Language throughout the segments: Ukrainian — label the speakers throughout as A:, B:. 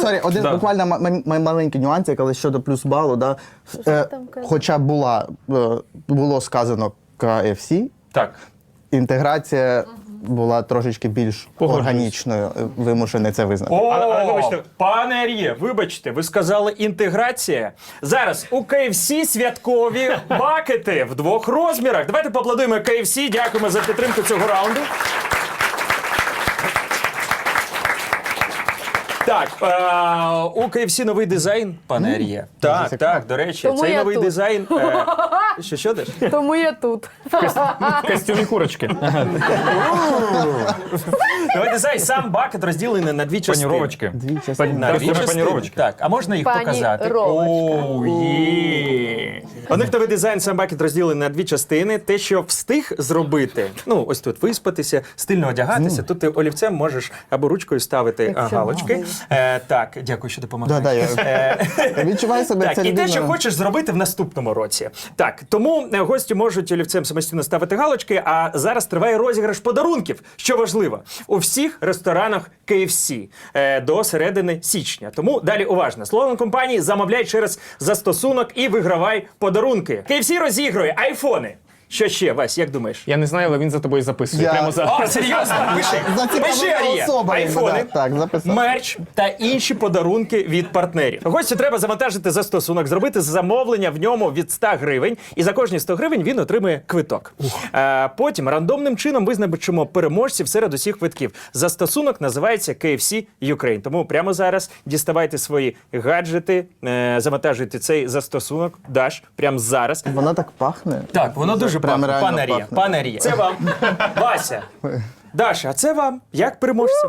A: Сорі, один буквально маленький нюанс, але щодо плюс балу, да. Хоча було сказано KFC,
B: Так.
A: інтеграція була трошечки більш органічною, вимушений це визнати.
B: Але вибачте, пане Ар'є, вибачте, ви сказали інтеграція. Зараз у KFC святкові бакети в 2 розмірах. Давайте поаплодуємо KFC, дякуємо за підтримку цього раунду. Так, у KFC новий дизайн, пане Ар'є. Так, до речі,
C: Тому
B: цей
C: я
B: новий
C: тут.
B: дизайн... Що деш?
C: Тому я тут.
D: В костюмі курочки.
B: Новий дизайн, сам бакет розділений на 2 частини.
D: Паніровочки.
A: Дві частини.
B: На 2
D: Костюми
B: частини.
D: паніровочки.
B: Так, а можна їх показати? Є. У них новий дизайн, сам бакет розділений на 2 частини. Те, що встиг зробити, ну, ось тут виспатися, стильно одягатися, тут ти олівцем можеш або ручкою ставити галочки. Так, дякую, що допомагаєш.
A: Я відчуваю себе
B: Так,
A: це
B: і те,
A: людина.
B: що хочеш зробити в наступному році. Так, тому гості можуть олівцем самостійно ставити галочки, а зараз триває розіграш подарунків, що важливо, у всіх ресторанах KFC до середини січня. Тому далі уважно. Словом компанії замовляй через застосунок і вигравай подарунки. KFC розігрує айфони. Що ще, Вась, як думаєш?
D: Я не знаю, але він за тобою записує. Прямо зараз.
B: О, серйозно? Пиши. Пиши, Ар'є. Айфони,
A: Так, записав.
B: мерч та інші подарунки від партнерів. Гостю треба завантажити застосунок, зробити замовлення в ньому від 100 гривень, і за кожні 100 гривень він отримує квиток. Потім рандомним чином визначимо переможців серед усіх квитків. Застосунок називається KFC Ukraine. Тому прямо зараз діставайте свої гаджети, завантажуйте цей застосунок, Даш, прямо зараз.
A: Вона так пахне.
B: Так, воно дуже
A: прям
B: пахне.
A: реально
B: Пане Ар'є,
A: пахне.
B: пане Ар'є. Це вам. Вася. Даша, а це вам. Як переможцям?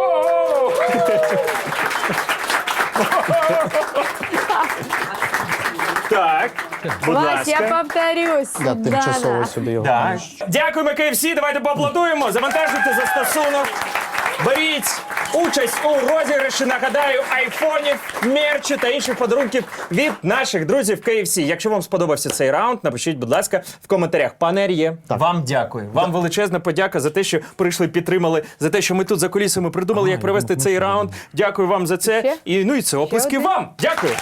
B: Так, будь
C: Вась, я
B: ласка.
C: повторюсь.
A: Я тимчасово
C: Дана.
A: сюди його.
B: Так. Дякуємо, KFC, давайте поаплодуємо. Завантажуйте застосунок. Беріть участь у розіграші, нагадаю, айфонів, мерчу та інших подарунків від наших друзів KFC. Якщо вам сподобався цей раунд, напишіть, будь ласка, в коментарях. Пане Ар'є, вам дякую. Вам величезна подяка за те, що прийшли, підтримали, за те, що ми тут за кулісами придумали, як провести цей раунд. Дякую вам за це.
C: Ще?
B: І це оплески
C: один?
B: вам. Дякую.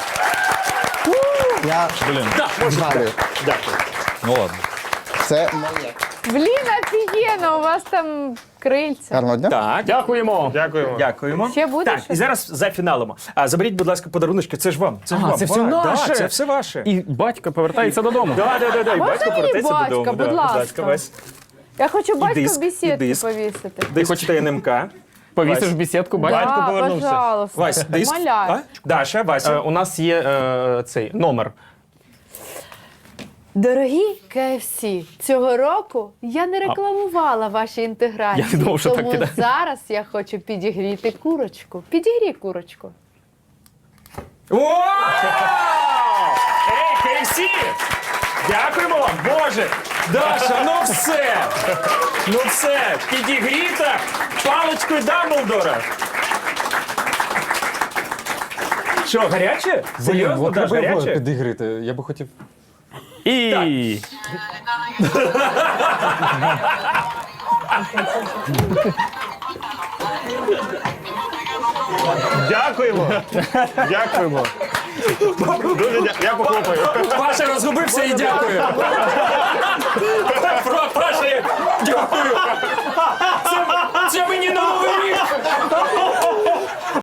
A: Я згадую.
B: Дякую.
D: Ну ладно.
A: Це моє.
C: Блін, офігенно, у вас там крильця.
A: Гарного дня.
B: Так.
D: Дякуємо.
B: Дякуємо.
C: Ще буде
B: Так,
C: щось?
B: і зараз зафіналимо. Заберіть, будь ласка, подаруночки. Це ж вам. Це ж вам.
D: це все
B: Да,
D: наше.
B: це все ваше.
D: І батько повертається додому.
B: Да. І
C: Можна
B: батько
C: мені
B: повертається
C: батька,
B: додому.
C: будь ласка?
B: Вась.
C: Я хочу батька
B: диск,
C: в бесідки
B: і диск.
C: повісити.
B: Ти хочете НМК?
D: Повісиш
B: Вась.
D: в бесідку, батько.
B: Батько повернувся.
C: Пожалуйста.
B: Вась, диск.
C: Умоляю.
B: А? Даша, Вася.
D: У нас є цей номер.
C: Дорогі KFC, цього року я не рекламувала ваші інтеграції,
D: Я не думав, що так
C: тому
D: піде.
C: зараз я хочу підігріти курочку. Підігрій курочку.
B: Вау! Ей, KFC! Дякуємо вам, Боже! Даша, ну все, підігріта паличкою Дамблдора. Що, гаряче? Серйозно, Даш, гаряче?
E: підігрити. Я би хотів.
D: І
E: Дякуємо! Дякуємо! Я похлопаю.
B: Паша розгубився і дякую. Паша, дякую. Це мені на Новий рік.